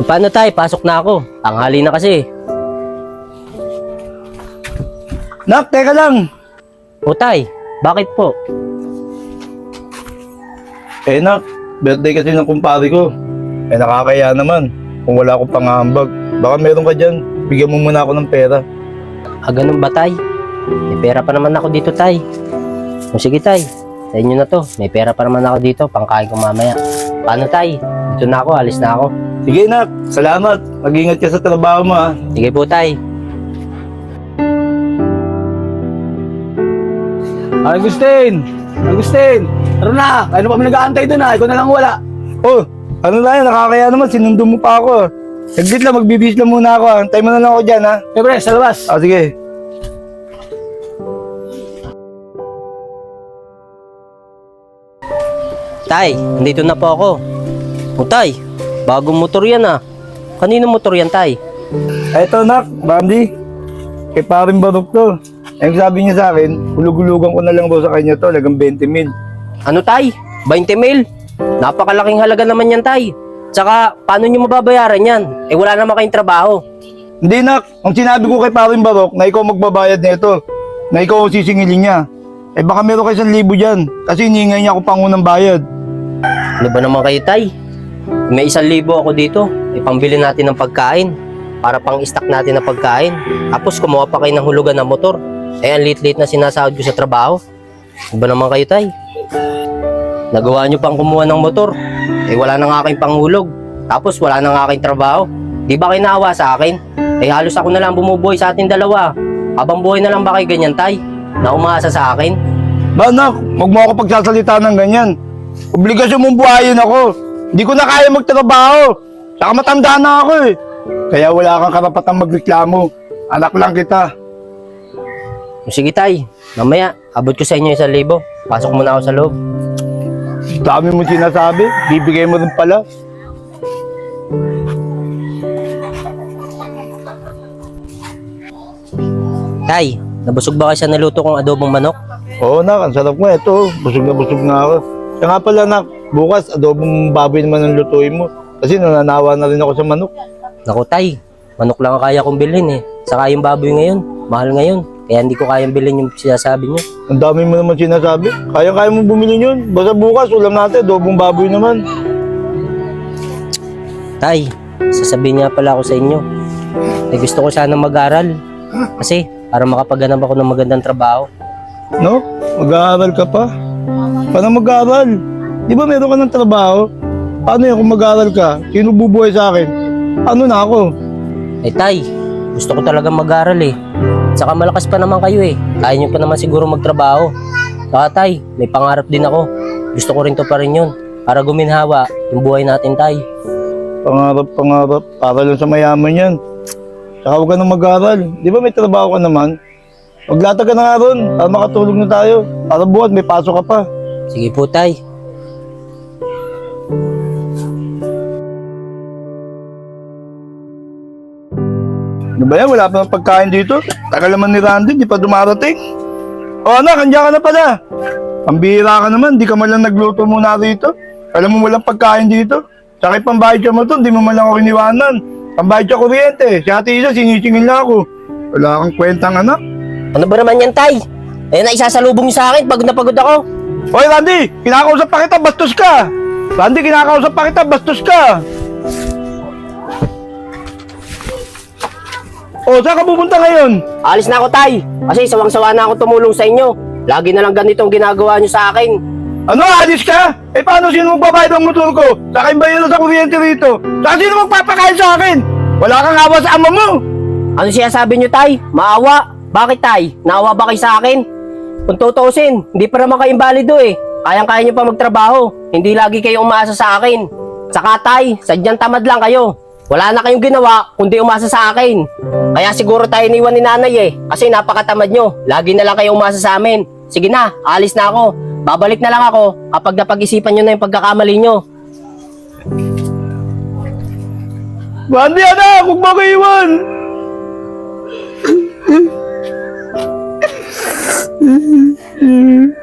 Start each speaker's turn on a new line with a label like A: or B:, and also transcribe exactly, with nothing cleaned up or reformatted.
A: Paano tay? Pasok na ako. Tanghali na kasi.
B: Nak, teka lang.
A: O tay, bakit po?
B: Eh nak, birthday kasi ng kumpare ko. Eh nakakaya naman kung wala akong pangambag. Baka meron ka dyan, bigyan mo muna ako ng pera.
A: Ah, ganun ba tay? May pera pa naman ako dito tay. O sige tay, sa inyo na to. May pera pa naman ako dito, pangkain ko mamaya. Paano tay? Dito na ako, alis na ako.
B: Sige nak, salamat. Mag-ingat ka sa trabaho mo ha.
A: Sige po tay.
C: Agustin! Agustin! Tara na! Kaya na kami nag-aantay doon ha. Ikaw na lang wala.
B: Oh, ano na yan, nakakaya naman, sinundo mo pa ako. Saglit lang, magbibis lang muna ako. Antay mo na lang ako dyan ha.
C: Siyempre, sa labas.
B: Ah, sige.
A: Tay, nandito na po ako. O tay, bagong motor yan ah. Kanino motor yan tay?
B: Eto nak, Bambi. Kay paring Barok to. Ang sabi niya sa akin, hulug-hulugan ko na lang daw sa kanya to, lagang twenty mil.
A: Ano tay? twenty mil? Napakalaking halaga naman yan tay. Tsaka, paano nyo mababayaran yan? Eh wala naman kayong trabaho.
B: Hindi nak, ang sinabi ko kay paring Barok na ikaw magbabayad nito, na ikaw ang sisingilin niya. Eh baka meron kayo isang libo dyan, kasi hinihingay niya ako pangunang bayad.
A: Ano ba naman kayo tay? May isang libo ako dito. Ipambili natin ng pagkain. Para pang stock natin ng pagkain. Tapos kumuha pa kayo ng hulugan ng motor. Eh ang lit-lit na sinasahod ko sa trabaho. Ano ba naman kayo tay? Nagawa nyo pang kumuha ng motor. Eh wala na nga kayong panghulog. Tapos wala na nga kayong trabaho. Di ba kayo naawa sa akin? Eh halos ako na lang bumubuhay sa ating dalawa. Habang buhay na lang ba kayo ganyan tay? Na umaasa sa akin?
B: Ba nak, huwag mo ako pagsasalita ng ganyan. Obligasyon mong buhayin ako. Hindi ko na kaya magtrabaho. Saka matanda na ako eh. Kaya wala kang karapatang magreklamo. Anak lang kita.
A: Sige tay, mamaya abot ko sa inyo isang libo. Pasok muna ako sa loob.
B: Dami mo sinasabi, bibigay mo rin pala.
A: Tay, nabusog ba kayo sa naluto kong adobong manok?
B: Oo nak, ang sarap nga ito. Busog na busog na ako. Kaya nga pala nak, bukas adobong baboy naman ang lutuin mo. Kasi nananawa na rin ako sa manok.
A: Naku tay, manok lang ang kaya kong bilhin eh. Saka yung baboy ngayon, mahal ngayon. Kaya hindi ko kayang bilhin yung sinasabi nyo.
B: Ang dami mo naman sinasabi. Kaya-kaya mo bumili yun. Basta bukas, ulam natin, adobong baboy naman.
A: Tay, sasabihin nga pala ako sa inyo. Eh gusto ko sana mag-aral. Kasi para makapaganap ako ng magandang trabaho.
B: No? Mag-aaral ka pa? Paano mag-aaral? Di ba meron ka ng trabaho? Paano yan kung mag-aaral ka? Sino bubuhay sa akin? Ano na ako?
A: Eh tay, gusto ko talagang mag-aral eh. Saka malakas pa naman kayo eh. Kaya nyo pa naman siguro magtrabaho. Saka tay, may pangarap din ako. Gusto ko rin to pa rin yun. Para guminhawa yung buhay natin tay.
B: Pangarap, pangarap. Para lang sa mayaman yan. Saka huwag ka nang mag-aaral. Di ba may trabaho ka naman? Maglatag ka na nga ron. Para makatulog na tayo. Para buwan, may pasok ka pa.
A: Sige po tay.
B: Ano ba yan? Wala pa ng pagkain dito. Tagal naman ni Randy, di pa dumarating. O anak, andyan ka na pala. Pambihira ka naman, di ka man lang nagluto muna rito. Alam mo walang pagkain dito. Sakit pambayad ka mo to, di mo man lang ako iniwanan. Pambayad ka kuryente. Si ate Isa, sinisingil na ako. Wala kang kwentang anak.
A: Ano ba naman yan tay? Eh na isasalubong nyo sa akin, pagod na pagod ako.
B: Hoy Randy, kinakausap pa kita, bastos ka. Randy, kinakausap pa kita, bastos ka. O, saan ka pupunta ngayon?
A: Alis na ako tay, kasi sawang-sawa na ako tumulong sa inyo. Lagi na lang ganitong ginagawa nyo sa akin.
B: Ano, alis ka? Eh, paano sino magbabayad ng motor ko? Sa akin ba yun sa kuryente rito? Saan sino magpapakain sa akin? Wala kang awa sa ama mo.
A: Ano siya sabi nyo tay? Maawa? Bakit tay? Naawa ba kayo sa akin? Kung tutuusin, hindi pa naman kayo imbalido eh. Kayang-kaya nyo pa magtrabaho. Hindi lagi kayo umaasa sa akin. Saka tay, sadyang tamad lang kayo. Wala na kayong ginawa kundi umasa sa akin. Kaya siguro tayo iniwan ni nanay eh. Kasi napakatamad nyo. Lagi na lang kayo umasa sa amin. Sige na, alis na ako. Babalik na lang ako kapag napag-isipan nyo na yung pagkakamali nyo.
B: Randy, anak, huwag mo ko iwan. Mm-hmm.